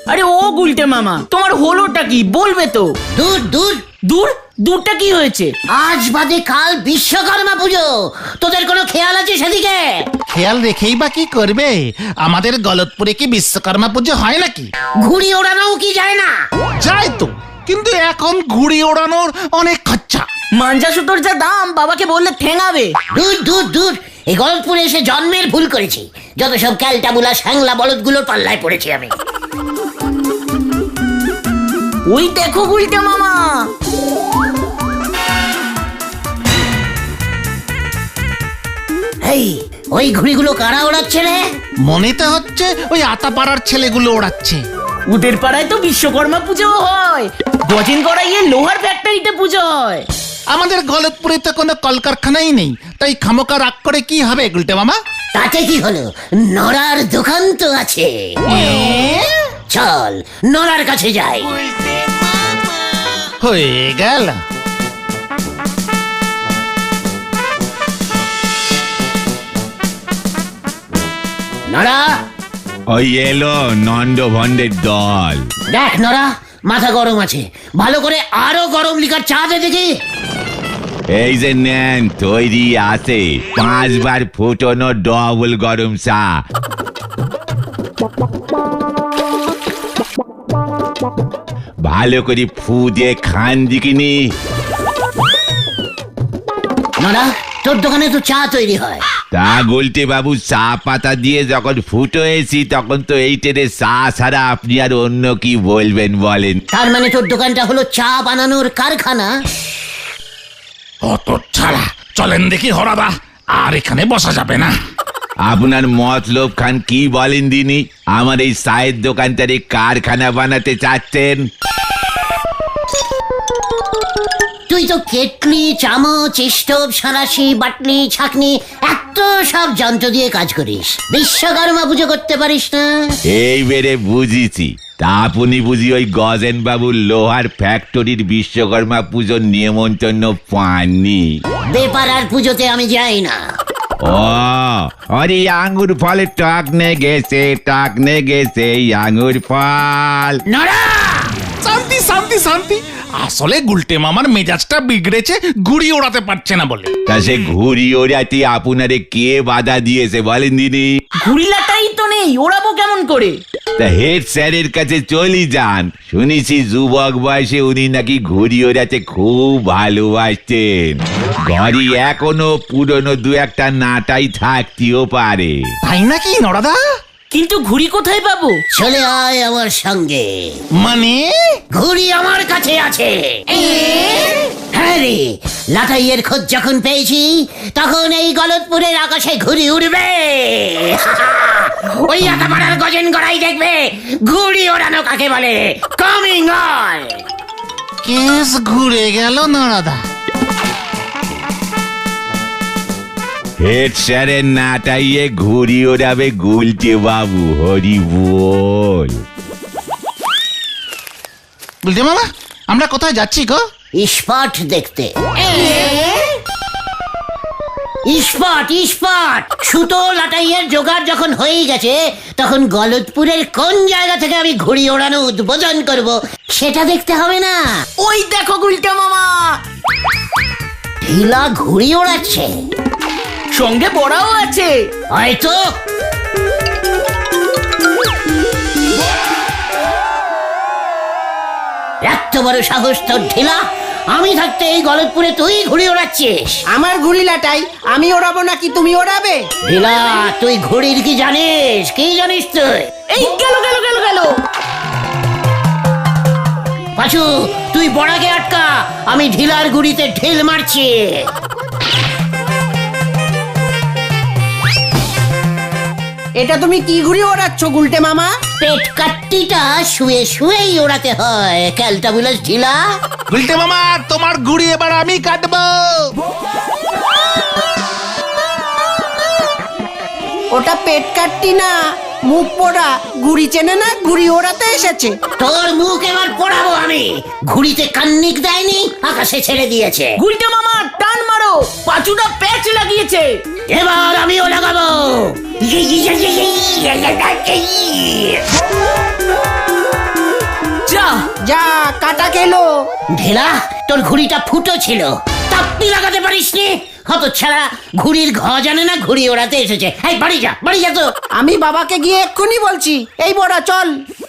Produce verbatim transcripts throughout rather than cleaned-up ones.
আরে ও গুলটে মামা, তোমার হলোটা কি বলবে তো? দূর দূর দূর দূরটা কি হয়েছে? আজ বাদে কাল বিশ্বকর্মা পুজো, তোদের কোনো খেয়াল আছে সেদিকে? খেয়াল রেখেই বা কি করবে? আমাদের গলতপুরে কি বিশ্বকর্মা পুজো হয় নাকি? ঘুড়ি ওড়ানোও কি যায় না? যায় তো, কিন্তু এখন ঘুড়ি ওড়ানোর অনেক খরচা। মাঞ্জা সুতোর যা দাম, বাবাকে বললে ঠেঙাবে। দূর দূর দূর, এই গলতপুরে এসে জন্মের ভুল করেছি। যত সব ক্যালটাবুলা স্যাংলা বলদগুলোর পাল্লায় পড়েছি আমি। ওই দেখো গুলটে মামা, এই ওই ঘুড়িগুলো কারা ওড়াচ্ছে রে? মনে তো হচ্ছে ওই আতাপাড়ার ছেলেগুলো ওড়াচ্ছে। ওদের পাড়ায় তো বিশ্বকর্মা পুজো হয়, গজিন করাইয়ে লোহার ফ্যাক্টরিতে পুজো হয়। আমাদের গলতপুরে তো কোনো কলকারখানাই নেই, তাই খামোকা রাগ করে কি হবে গুলটে মামা? তাতে কি হলো, নড়ার দোকান তো আছে। চল নড়ার কাছে যাই। হয়ে গেল। নড়া, ওই এলো নন্দ ভন্ডের দল। দেখ নড়া, মাথা গরম আছে, ভালো করে আরো গরম লিকার চা দে দেখি। এই যে নেন, তৈরি আছে পাঁচবার ফুটনো ডবল গরম চা। ভালো করে ফু দিয়ে খান দিকিনি। নড়া, তোর দোকানে তো চা তৈরি হয়। তা গুলটে বাবু, চা পাতা দিয়ে যখন ফুটো এসি তখন তো এই টেনে চা ছাড়া আপনি আর অন্য কি বলবেন বলেন? তার মানে তোর দোকানটা হলো চা বানানোর কারখানা? অত ছাড়া, চলেন দেখি হরাদা, আর এখানে বসা যাবে না। আপনার মতলব খান কি বলেন দিনি? আমার এই চায়ের দোকানটারে কারখানা বানাতে চাচ্ছেন? তুই তো কেটলি, চামচ, স্টোভ, সাঁড়াশি, বাটলি, ছাকনি, এত সব যন্ত্র দিয়ে কাজ করিস, বিশ্বকর্মা পুজো করতে পারিস না? এই বেড়ে বুঝিছি। তা আপনি বুঝি ওই গজেন বাবুর লোহার ফ্যাক্টরির বিশ্বকর্মা পুজোর নিমন্ত্রণ পাননি? বেপারার পুজোতে আমি যাই না। ও আরে আঙ্গুর ফলে টাক নে গেছে, টাক নে গেছে আঙ্গুর ফল। নড়া, শান্তি শান্তি শান্তি, আসলে গুলটে মামার মেজাজটা বিগড়েছে ঘুড়ি ওড়াতে পারছে না বলে। তা সে ঘুড়ি ওড়াতে আপনারে কে বাধা দিয়েছে বলেন দিনি? ঘুড়িলাটাই তো নেই, ওড়াবো কেমন করে? তা হেড স্যারের কাছে চলি যান, শুনেছি যুবক বয়সে উনি নাকি ঘুড়ি ওড়াতে খুব ভালোবাসতেন। ঘড়ি এখনো পুরনো দু একটা নাটাই থাকতেও পারে। তাই নাকি নরাদা? কিন্তু ঘুড়ি কোথায় পাবো? চলে আয় আমার সঙ্গে। মানে? ঘুড়ি আমার কাছে আছে। হ্যাঁ রে, লাটাইয়ের খোঁজ যখন পেয়েছি তখন এই গলতপুরের আকাশে ঘুড়ি উড়বে। ওই আতাপাড়ার গজেন গড়াই দেখবে ঘুড়ি ওড়ানো কাকে বলে। Coming on. কেস ঘুরে গেল নরাদা। হেড স্যারের নাটাইয়ে ঘুড়ি ওড়াবে গুলটে বাবু, হরি বল। গুলটে মামা, আমরা কোথায় যাচ্ছি গো? ইস্পাট দেখতে। ইস্পাট ইস্পাট সুতো লাটাইয়ের জোগাড় যখন হয়ে গেছে তখন গলতপুরের কোন জায়গা থেকে আমি ঘুড়ি ওড়ানো উদ্বোধন করব সেটা দেখতে হবে না? ওই দেখো গুলটে মামা, ঢিলা ঘুড়ি ওড়াচ্ছে, সঙ্গে বড়াও আছে। হয়তো। এত বড় সাহস তোর ঢিলা, আমি থাকতে এই গলতপুরে তুই ঘুড়ি ওড়াচ্ছিস? আমার ঘুড়ি লাটাই, আমি ওড়াবো নাকি তুমি ওড়াবে? ঢিলা, তুই ঘুড়ির কি জানিস? কি জানিস তুই? এই গেল গেল গেল গেল। পাঁচু, তুই বড়াকে আটকা, আমি ঢিলার গুড়িতে ঢিল মারছি। এটা তুমি কি ঘুড়ি ওড়াচ্ছ গুলটে মামা? পেট কাট্টিটা শুয়ে শুয়েই ওড়াতে হয়, ক্যালটাবুলাস ঢিলা। গুলটে মামা, তোমার ঘুড়ি এবার আমি কাটবো। ওটা পেট কাটতি না, মুখ পোড়া। ঘুড়ি চেনে না, ঘুড়ি ওড়াতে এসেছে। তোর মুখ এবার পোড়াবো আমি। ঘুড়িতে কান্নিক দেয়নি, আকাশে ছেড়ে দিয়েছে। গুলটে মামা টান মারো, পাঁচুটা প্যাচ লাগিয়েছে। এবার আমিও লাগাবো। যা যা কাটা খেলো। ঢেলা, তোর ঘুড়িটা ফুটো ছিল, তাপ্পি লাগাতে পারিসনি। হতচ্ছাড়া, ঘুড়ির ঘ জানে না ঘুড়ি ওড়াতে এসেছে। এই বাড়ি যা, বাড়ি যা তো। আমি বাবাকে গিয়ে এক্ষুনি বলছি। এই বড়া চল।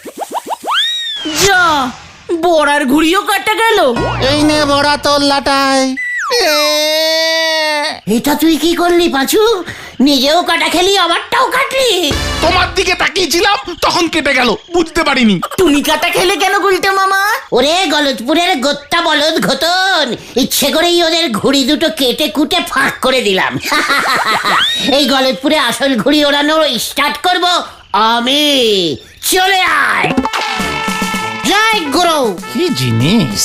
যা বড়ার ঘুড়িও কাটা গেল। এই নে বড়া তোর লাটাই। এটা তুই কি করলি পাঁচু? নিজেও কাটা খেলি, আবারটাও কাটলি। তোমার দিকে তাকিয়েছিলাম তখন কেটে গেল, বুঝতে পারিনি। তুমি কাটা খেলে কেন গুলটে মামা? ওরে গলতপুরের গোত্তা বলদ ঘতন, ইচ্ছে করেই ওদের ঘুড়ি দুটো কেটে কুটে ফাঁক করে দিলাম। এই গলতপুরে আসল ঘুড়ি ওড়ানো স্টার্ট করব আমি। চলে আয়। জয় গুরু। কি জিনিস!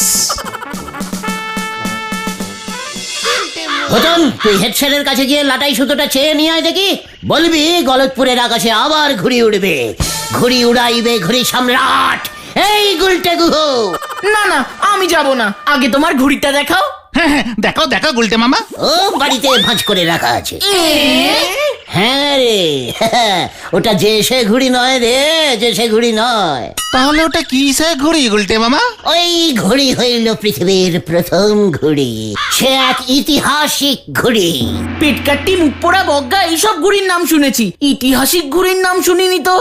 ঘতন, তুই হেড স্যারের কাছে গিয়ে লাটাই সুতোটা চেয়ে নিয়ে আয় দেখি। বলবি গলতপুরের আকাশে আবার ঘুড়ি উড়বে, ঘুড়ি উড়াইবে ঘুড়ি সম্রাট এই গুলটে গুহ। না না, আমি যাব না, আগে তোমার ঘুড়িটা দেখাও। হ্যাঁ হ্যাঁ, দেখাও দেখাও গুলটে মামা। ও বাড়িতে ভাঁজ করে রাখা আছে। হ্যাঁ রে, ওটা যে সে ঘুড়ি নয় রে, যে সে ঘুড়ি নয়। তাহলে ওটা কি সে ঘুড়ি গুলটে মামা? ওই ঘুড়ি হইল পৃথিবীর প্রথম ঘুড়ি, সে এক ঐতিহাসিক ঘুড়ি। পেটকাট্টি মুখ পোড়া বজ্ঞা এইসব ঘুড়ির নাম শুনেছি, ঐতিহাসিক ঘুড়ির নাম শুনিনি তো।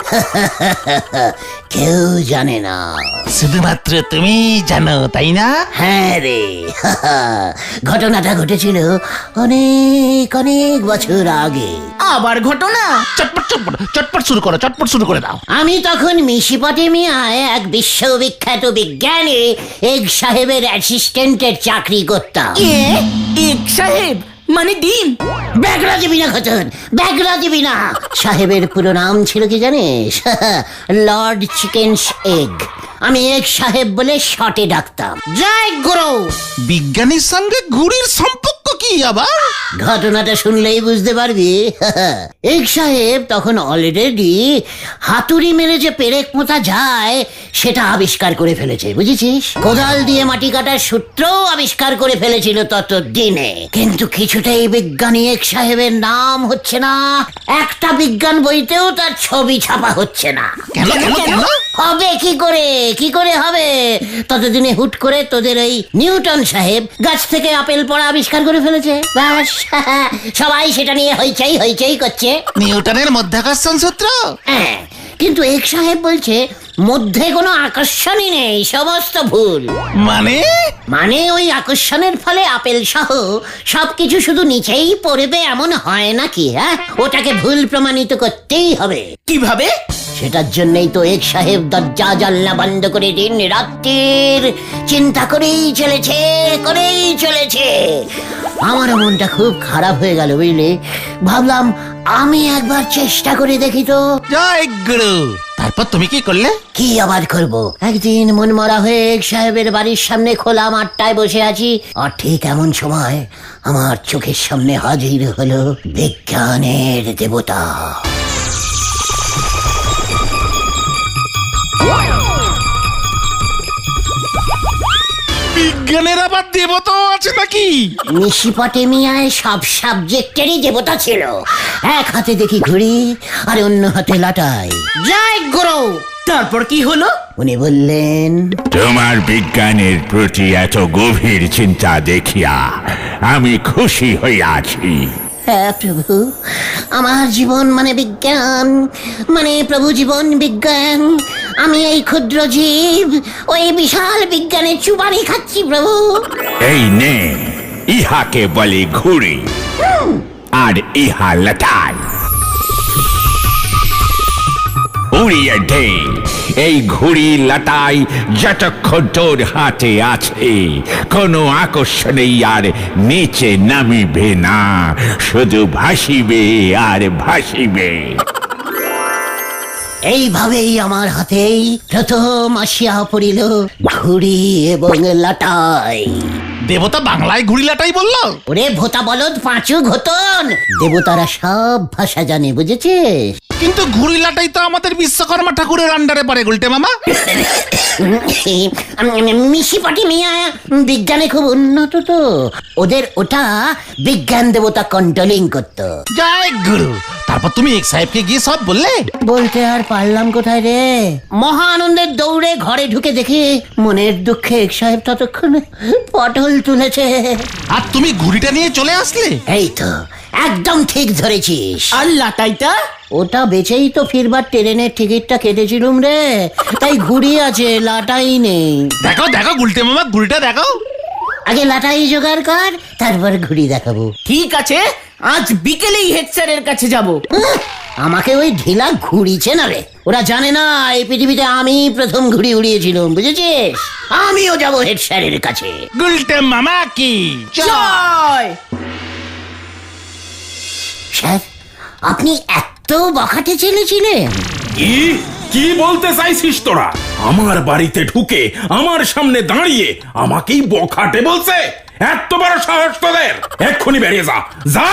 কেউ জানে না, শুধুমাত্র তুমি জানো, তাই না? হ্যাঁ রে। ঘটনাটা ঘটেছিল অনেক অনেক বছর আগে। আবার ঘটনা? চটপট চটপট চটপট শুরু করো, চটপট শুরু করে দাও। আমি তখন মেসোপটেমিয়ায় এক বিশ্ববিখ্যাত বিজ্ঞানী এগ সাহেবের অ্যাসিস্ট্যান্টের চাকরি করতাম। এ এক সাহেব মানে ডিম? ব্যাগরা দিবি না ঘটন, ব্যাগরা দিবি না। সাহেবের পুরো নাম ছিল কি জানিস? Lord Chickens Egg. আমি এগ সাহেব বলে শর্টে ডাকতাম। জয় গুরু। বিজ্ঞানীর সঙ্গে ঘুড়ির সম্পর্ক কি আবার? ঘটনাটা শুনলেই বুঝতে পারবি। এগ সাহেব তখন অলরেডি হাতুড়ি মেরে যে পেরেক পোঁতা যায় সেটা আবিষ্কার করে ফেলেছে, বুঝেছিস? কোদাল দিয়ে মাটি কাটার সূত্রও আবিষ্কার করে ফেলেছিল তত দিনে। কিন্তু কিছুতেই বিজ্ঞানী এগ সাহেবের নাম হচ্ছে না, একটা বিজ্ঞান বইতেও তার ছবি ছাপা হচ্ছে না। কেন কেন কেন? হবে কি করে, কি করে হবে? ততদিনে হুট করে তোদের ওই নিউটন সাহেব গাছ থেকে আপেল পড়া আবিষ্কার করে ফেলেছে। ব্যাস, সবাই সেটা নিয়ে হইচই হইচই করছে। নিউটনের মধ্যাকর্ষণ সূত্র? হ্যাঁ, কিন্তু এক সাহেব বলছে মধ্যে কোনো আকর্ষণই নেই, সমস্ত ভুল। মানে? মানে ওই আকর্ষণের ফলে আপেল সহ সবকিছু শুধু নিচেই পড়বে এমন হয় নাকি? হ্যাঁ, ওটাকে ভুল প্রমাণিত করতেই হবে। কিভাবে? সেটার জন্যই তো এক সাহেব দরজা জানলা বন্ধ করে দিন রাত্রির চিন্তা করেই চলেছে, করেই চলেছে। আমার মনটা খুব খারাপ হয়ে গেল, বুঝলি? ভাবলাম আমি একবার চেষ্টা করে দেখি তো। জয় গুরু। তারপর তুমি কি করলে? কি আবার করব? একদিন মন মরা হয়ে এক সাহেবের বাড়ির সামনে খোলা মাঠটায় বসে আছি, আর ঠিক এমন সময় আমার চোখের সামনে হাজির হলো বিজ্ঞানের দেবতা। বিজ্ঞানের আবার দেবতাও আছে নাকি? মেসোপটেমিয়ায় সব সাবজেক্টেরই দেবতা ছিল। এক হাতে দেখি ঘুড়ি আর অন্য হাতে লাটাই। জয় গুরু। তারপর কি হলো? উনি বললেন, তোমার বিজ্ঞানের প্রতি এত গভীর চিন্তা দেখিয়া আমি খুশি হইয়াছি। হ্যাঁ প্রভু, আমার জীবন মানে বিজ্ঞান, মানে প্রভু জীবন বিজ্ঞান। আমি এই ক্ষুদ্র জীব ওই বিশাল বিজ্ঞানের চুবানি খাচ্ছি প্রভু। এই নে, ইহাকে বলে ঘুড়ি আর ইহা লাটাই। উড়িয়ে দে এই ঘুড়ি লাটাই যতক্ষণ তোর হাতে আছে, কোনো আকর্ষণেই আর নিচে নামিবে না, শুধু ভাসিবে আর ভাসিবে। এইভাবেই আমার হাতেই প্রথম আসিয়া পড়িল ঘুড়ি এবং লাটাই। দেবতা বাংলায় ঘুড়ি লাটাই বললো? ওরে ভোতা বলদ পাঁচু ঘতন, দেবতারা সব ভাষা জানে, বুঝেছিস? কিন্তু ঘুড়ি লাটাই তো আমাদের বিশ্বকর্মা ঠাকুরের আন্ডারে পড়ে গুলটে মামা। মিশি পাটি মিয়া বিজ্ঞানে খুব উন্নত তো, ওদের ওটা বিজ্ঞান দেবতা কন্ট্রোলিং করতো। জয় গুরু। তারপর তুমি এক সাহেবকে গিয়ে সব বললে? বলতে আর পারলাম কোথায় রে, মহা আনন্দের দৌড়ে ঘরে ঢুকে দেখি মনের দুঃখে এক সাহেব ততক্ষণে পটল তুলেছে। আর তুমি ঘুড়িটা নিয়ে চলে আসলে? এই তো একদম ঠিক ধরেছিস। আর লাটাইটা? ওটা বেচেই তো ফিরবার ট্রেনের টিকিটটা কেটেছিলুম রে, তাই ঘুড়ি আছে, লাটাই নেই। দেখো দেখো গুলটে মামা, ঘুড়িটা দেখো। আগে লাটাই জোগাড় কর, তারপর ঘুড়ি দেখাবো। ঠিক আছে, আজ বিকেলেই হেড স্যারের কাছে যাব। উহ, আমাকে ওই ঢিলা ঘুড়ি চেনাবে, ওরা জানে না এই পৃথিবীতে আমি প্রথম ঘুড়ি উড়িয়েছিলাম, বুঝেছিস? আমিও যাবো হেড স্যারের কাছে। গুলটে মামা কি জয়। স্যার, আপনি এত বখাটে ছেলেছিলেন? কি কি বলতে চাইছিস তোরা? আমার বাড়িতে ঢুকে আমার সামনে দাঁড়িয়ে আমাকেই বখাটে বলছে? এত বড় সাহস তোদের! এক্ষুনি বেরিয়ে যা, যা!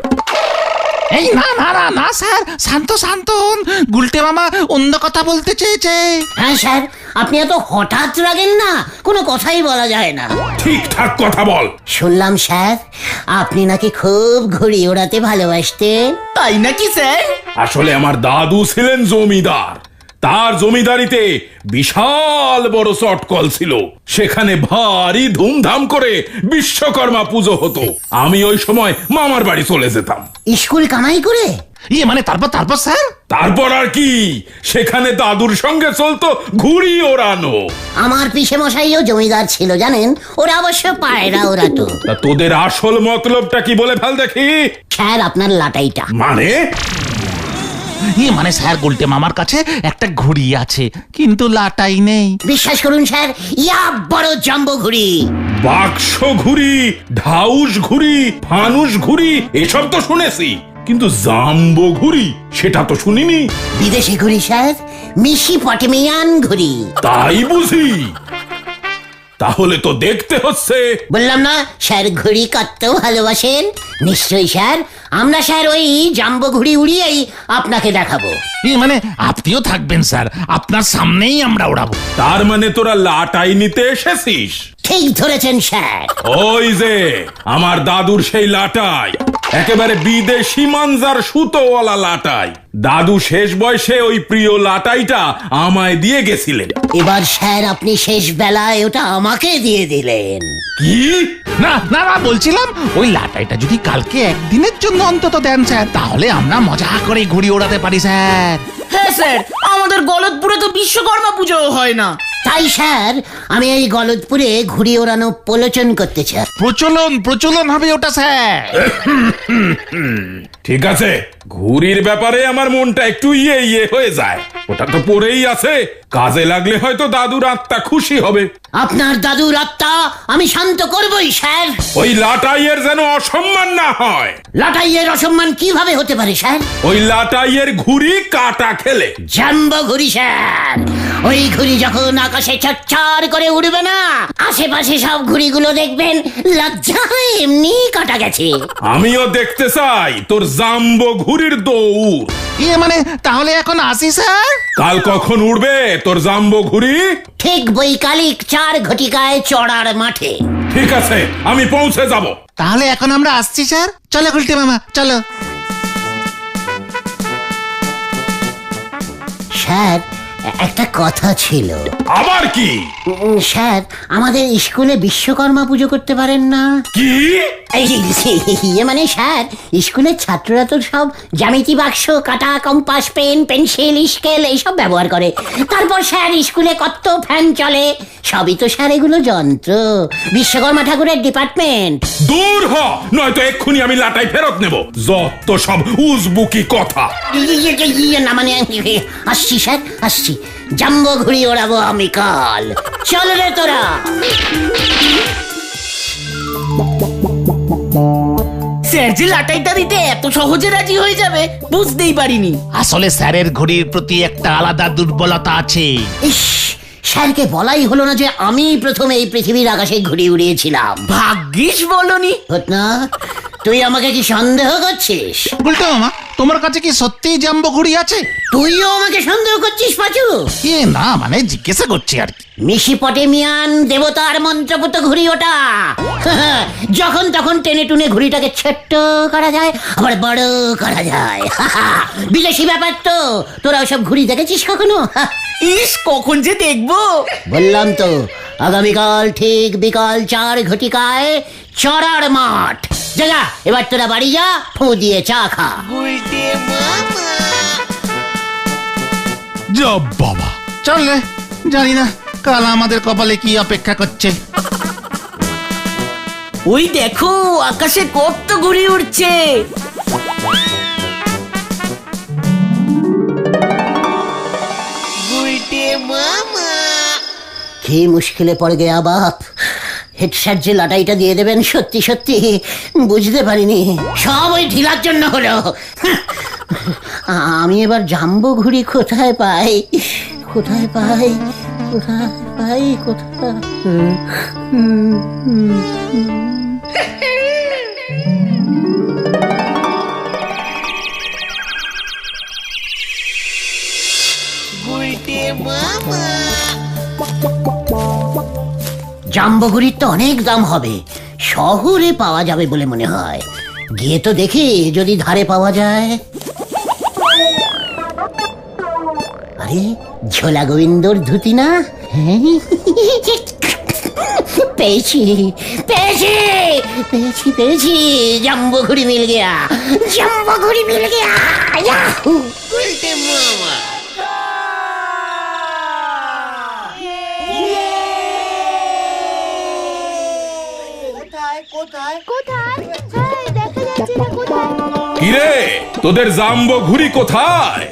এই না না না না স্যার, শান্ত শান্ত হন। গুলটে মামা অন্য কথা বলতে চেয়েছে। হ্যাঁ স্যার, আপনি এত হঠাৎ রাগেন না, কোনো কথাই বলা যায় না। ঠিকঠাক কথা বল। শুনলাম স্যার আপনি নাকি খুব ঘুড়ি ওড়াতে ভালোবাসতেন। তাই নাকি স্যার? আসলে আমার দাদু ছিলেন জমিদার। তার জমিদারিতে বিশাল বড় চটকল ছিল, সেখানে ভারী ধুমধাম করে বিশ্বকর্মা পুজো হতো। আমি ওই সময় মামার বাড়ি চলে যেতাম। স্কুল কামাই করে? ইয়ে মানে তারপর তারপর স্যার? তারপর আর কি, সেখানে দাদুর সঙ্গে চলতো ঘুড়ি ওড়ানো। আমার পিসে মশাইও জমিদার ছিল জানেন, ওরা অবশ্য পায়রা ওড়াতো। তা তোদের আসল মতলবটা কি বলে ফেল দেখি। স্যার আপনার লাটাইটা। মানে? ইয়ে মানে স্যার গুলটে মামার কাছে একটা ঘুড়ি আছে, কিন্তু লাটাই নেই। বিশ্বাস করুন স্যার, ইয়া বড় জাম্বো ঘুড়ি। বাক্স ঘুড়ি, ঢাউস ঘুড়ি, ফানুস ঘুড়ি এসব তো শুনেছি, কিন্তু জাম্বো ঘুড়ি সেটা তো শুনিনি। বিদেশি ঘুড়ি স্যার, মিশি পটেমিয়ান ঘুড়ি। তাই বুঝি? তাহলে তো দেখতে হচ্ছে। বললাম না স্যার ঘুড়ি কাটতেও ভালোবাসেন। নিশ্চয়ই স্যার, আমরা স্যার ওই জাম্বো ঘুড়ি উড়িয়েই আপনাকে দেখাবো। ইয়ে মানে আপনিও থাকবেন স্যার, আপনার সামনেই আমরা ওড়াবো। তার মানে তোরা লাটাই নিতে এসেছিস? ঠিক ধরেছেন স্যার। ওই যে আমার দাদুর সেই লাটাই, একেবারে বিদেশি মানজার সুতোওয়ালা লাটাই। দাদু শেষ বয়সে ওই প্রিয় লাটাইটা আমায় দিয়ে গেছিলেন। এবার স্যার আপনি শেষ বেলায় ওটা আমাকে দিয়ে দিলেন। কি? না না না বলছিলাম, ওই লাটাইটা যদি কালকে একদিনের জন্য অন্তত দেন স্যার, তাহলে আমরা মজা করে ঘুড়ি ওড়াতে পারি স্যার। হ্যাঁ স্যার, আমাদের গলতপুরে তো বিশ্বকর্মা পুজো হয় না। তাই স্যার আমি এই গলদপুরে ঘুড়ি ওড়ানো প্রলোচন করতে চাই। প্রচলন প্রচলন হবে ওটা স্যার। ঠিক আছে, ঘুড়ির ব্যাপারে আমার মনটা একটু ইয়ে ইয়ে হয়ে যায়। ওটা তো পড়েই আছে, কাজে লাগলে হয়তো দাদুর আত্মা খুশি হবে। আপনার দাদুর আত্মা আমি শান্ত করবই স্যার। ওই লাটাইয়ের যেন অসম্মান না হয়। লাটাইয়ের অসম্মান কিভাবে হতে পারে স্যার? ওই লাটাইয়ের ঘুড়ি কাটা খেলে। জাম্বো ঘুড়ি স্যার, ওই ঘুড়ি যখন আকাশে চচ্চর করে উড়বে না, আশেপাশে সব ঘুড়িগুলো দেখবেন লজ্জায় এমনি কাটা গেছে। আমিও দেখতে চাই তোর জাম্বো ঘুড়ির দৌড়। ইয়ে মানে তাহলে এখন আসি স্যার। কাল কখন উড়বে তোর জাম্বো ঘুড়ি? ঠিক বৈকালিক চার ঘটিকায় চড়ার মাঠে। ঠিক আছে, আমি পৌঁছে যাব। তাহলে এখন আমরা আসছি স্যার, চলো গুলটে মামা চলো। স্যার একটা কথা ছিল। আবার কি? উম, স্যার আমাদের স্কুলে বিশ্বকর্মা পুজো করতে পারেন না? কি? এই, ইয়ে মানে স্যার স্কুলের ছাত্ররা তো সব জ্যামিতি বাক্স, কাটা, কম্পাস, পেন, পেন্সিল, স্কেল এইসব ব্যবহার করে। তারপর স্যার স্কুলে কত ফ্যান চলে, সবই তো স্যার এগুলো যন্ত্র। বিশ্বকর্মা ঠাকুরের ডিপার্টমেন্ট। দূর হ, নয়তো এক্ষুনি আমি লাটাই ফেরত নেব। যত সব উজবুকি কথা। ইয়ে, ইয়ে, ইয়ে না মানে আসছি স্যার, আসছি। জাম্বো ঘুড়ি ওড়াবো আমি কাল। চল রে তোরা। স্যার যে লাটাইটা দিতে এত সহজে রাজি হয়ে যাবে বুঝতেই পারিনি। আসলে স্যারের ঘড়ির প্রতি একটা আলাদা দুর্বলতা আছে। ইস, স্যারকে বলাই হলো না যে আমি প্রথমে এই পৃথিবীর আকাশে ঘুড়ি উড়িয়েছিলাম। ভাগ্যিস বলনি। ঘটনা তুই আমাকে কি সন্দেহ করছিস? গুলটে মামা তোমার কাছে কি সত্যিই জাম্বো ঘুড়ি আছে? তুইও আমাকে সন্দেহ করছিস পাচু? এ না মানে জিজ্ঞাসা করছি আর কি। মিশিপটেমিয়ান দেবতার মন্ত্রপুত ঘুড়ি ওটা। যখন তখন টেনে টুনে ঘুড়িটাকে ছোট্ট করা যায় আবার বড় করা যায়। বিদেশি ব্যাপার তো, তোরা ওসব ঘুড়ি দেখেছিস কখনো? ইস কখন যে দেখবো। বললাম তো আগামীকাল ঠিক বিকাল চার ঘটিকায় চড়ার মাঠ। যা এবার তোরা বাড়ি যা, ফু দিয়ে চা খা। যা বাবা চল রে, জানি না কাল আমাদের কপালে কি অপেক্ষা করছে। ওই দেখো আকাশে কত ঘুড়ি উড়ছে। কি মুশকিলে পড়ে গেয়া বাপ। হেড স্যার যে লাটাইটা দিয়ে দেবেন সত্যি সত্যি বুঝতে পারিনি, সব ওই ঢিলার জন্য হলো। আমি এবার জাম্বো ঘুড়ি কোথায় পাই, কোথায় পাই, কোথায় পাই, কোথায়? জাম্বো ঘুড়ির তো অনেক দাম হবে, শহরে পাওয়া যাবে বলে মনে হয়। গিয়ে তো দেখি যদি ধারে পাওয়া যায়। আরে ঝোলা গোবিন্দর ধুতি না? পেয়েছি পেয়েছি পেয়েছি পেয়েছি জাম্বো ঘুড়ি মিল গিয়া, জাম্বো ঘুড়ি মিল গিয়া। ইয়াহু! কিরে তোদের জাম্বো ঘুড়ি কোথায়?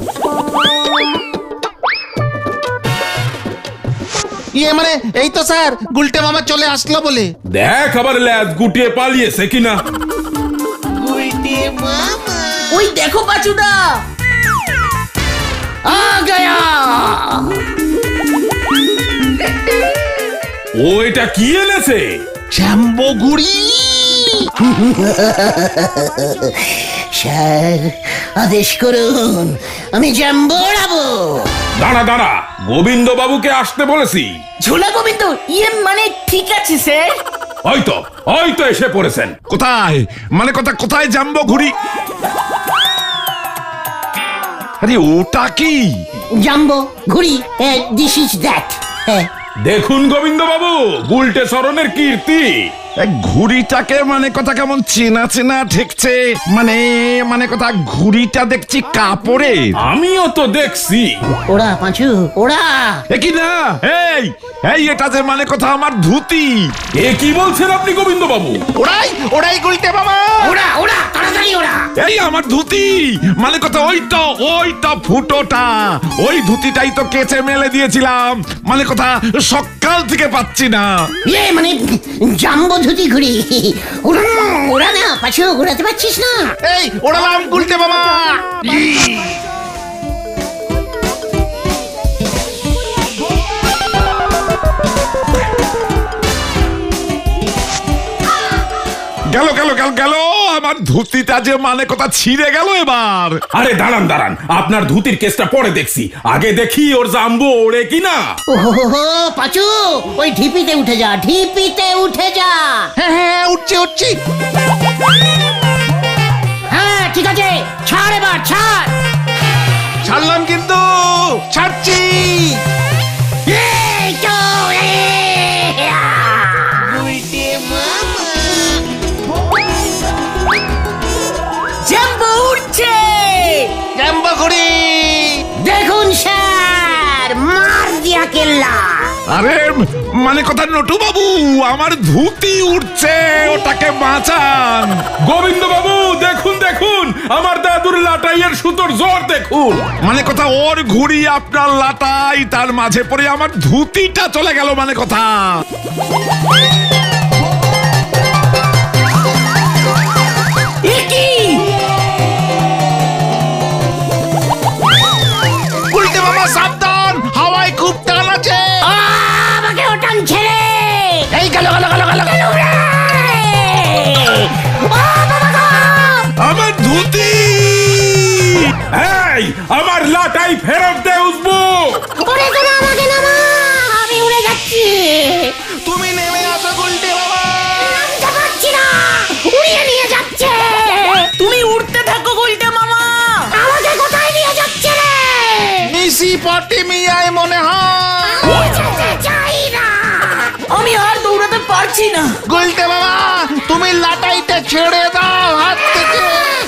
ইয়ে মানে এই তো স্যার, গুলটে মামা চলে আসলো বলে। দেখ আবার ল্যাজ গুটিয়ে পালিয়েছে কিনা। ওই দেখো পাচুদা। আ গয়া! ও এটা কি এনেছে? জাম্বো ঘুড়ি। স্যার আদেশ করুন, আমি জাম্বো উড়াবো। দাঁড়া দাঁড়া, গোবিন্দ বাবুকে আসতে বলেছি। ঝোলা গোবিন্দ ইয়ে মানে ঠিক আছে স্যার। হয়তো হয়তো এসে পড়েছেন। কোথায় মানে কথা কোথায় জাম্বো ঘুড়ি? আরে ওটা কি? জাম্বো ঘুড়ি, দিস ইজ দ্যাট। দেখুন গোবিন্দ বাবু, গুলটে সরণের কীর্তি। ঘুড়িটাকে মানে কথা কেমন চেনা চেনা ঠেকছে। মানে মানে কথা ঘুড়িটা দেখছি কাপড়ে। আমিও তো দেখছি। ওরা পাঁচু ওরা। কি না এই এই এটা যে মানে কথা আমার ধুতি। এ কি বলছেন আপনি গোবিন্দ বাবু? ওরাই ওরাই গুলটে মামা। ওরা ওরা তাড়াতাড়ি ওরা। এই আমার ধুতি, মানে কথা ওইটা ওইটা ফুটোটা, ওই ধুতিটাই তো কেচে মেলে দিয়েছিলাম, মানে কথা সকাল থেকে পাচ্ছি না। ইয়ে মানে জাম্বো ধুতি ঘুড়ি। ওরা ওরা না পাঁচু, উড়াতে পারছিস না? এই ওড়ালাম গুলটে মামা। গেল গেল গেল গেল আমার ধুতিটা যে মানে কথা ছিঁড়ে গেল এবার। আরে দাঁড়ান দাঁড়ান, আপনার ধুতির কেসটা পরে দেখছি, আগে দেখি ওর জাম্বো ওড়ে কিনা। ওহো পাঁচু, ওই ঢিপিতে উঠে যা, ঢিপিতে উঠে যা। হ্যাঁ হ্যাঁ উঠছি উঠছি। হ্যাঁ ঠিক আছে, ছাড় এবার ছাড়। ছাড়লাম কিন্তু, ছাড়ছি। এই তো, এ, আ। জাম্বো উড়ছে। জাম্বো ঘুড়ি। দেখুন স্যার, মার দিয়া কেল্লা। আরে মানে কথা নটু বাবু, আমার ধুতি উঠছে, ওটাকে বাঁচান। গোবিন্দ বাবু দেখুন দেখুন, আমার দাদুর লাটাইয়ের সুতোর জোর দেখুন। মানে কথা ওর ঘুড়ি আপনার লাটাই, তার মাঝে পড়ে আমার ধুতিটা চলে গেল মানে কথা। এ কি? গুলটে মামা সাবধান, হাওয়ায় খুব টান আছে। আ, আমাকে ওটান ছেড়ে। এই গেল গেল গেল গেল গেল। ও চাই, আমার লাটাই ফেরত দে উজবুক। ওরে তোরা আমাকে নামা, আমি উড়ে যাচ্ছি। তুমি নেমে আসো গুলটে মামা। নামতে পারছি না, উড়িয়ে নিয়ে যাচ্ছে। তুমি উঠতে থাকো গুলটে মামা। আমাকে কোথায় নিয়ে যাচ্ছে রে? নিশি পটিমিয়ায় মনে হয়। আমি যেতে চাই না। আমি আর দৌড়াতে পারছি না। গুলটে মামা তুমি লাটাইটা ছেড়ে দাও হাত থেকে।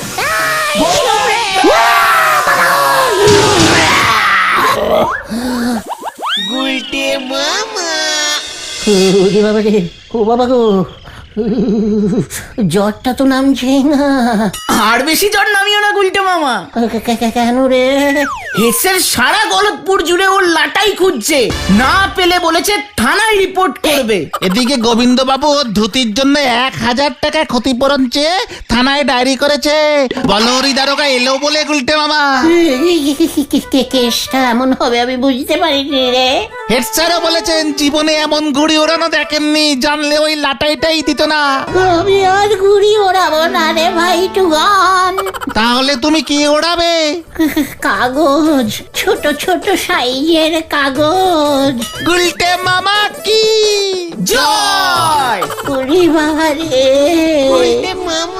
ওরে বাবা রে, ও বাবা গো, জ্বরটা তো নামছে না। আর বেশি জ্বর নামিও না গুলটে মামা। কে- কে- কে- কেন রে? হেসের সারা গলতপুর জুড়ে ওর লাটাই খুঁজছে, না পেলে বলেছে থানায় রিপোর্ট করবে। এদিকে গোবিন্দ বাবু ওর ধুতির জন্য এক হাজার টাকা ক্ষতিপূরণ চেয়ে থানায় ডায়েরি করেছে। বলহরি দারোগা এলো বলে গুলটে মামা। কে- কে- কেসটা এমন হবে আমি বুঝতে পারিনি রে। হেড স্যারও বলেছেন জীবনে এমন ঘুড়ি ওড়ানো দেখেননি, জানলে ওই লাটাইটাই দিত না। আমি আর ঘুড়ি ওড়াবো না রে ভাই টুগান। তাহলে তুমি কি ওড়াবে? কাগজ, ছোট ছোট সাইজের কাগজ। গুলটে মামা কি জয় ওরে বাবা রে।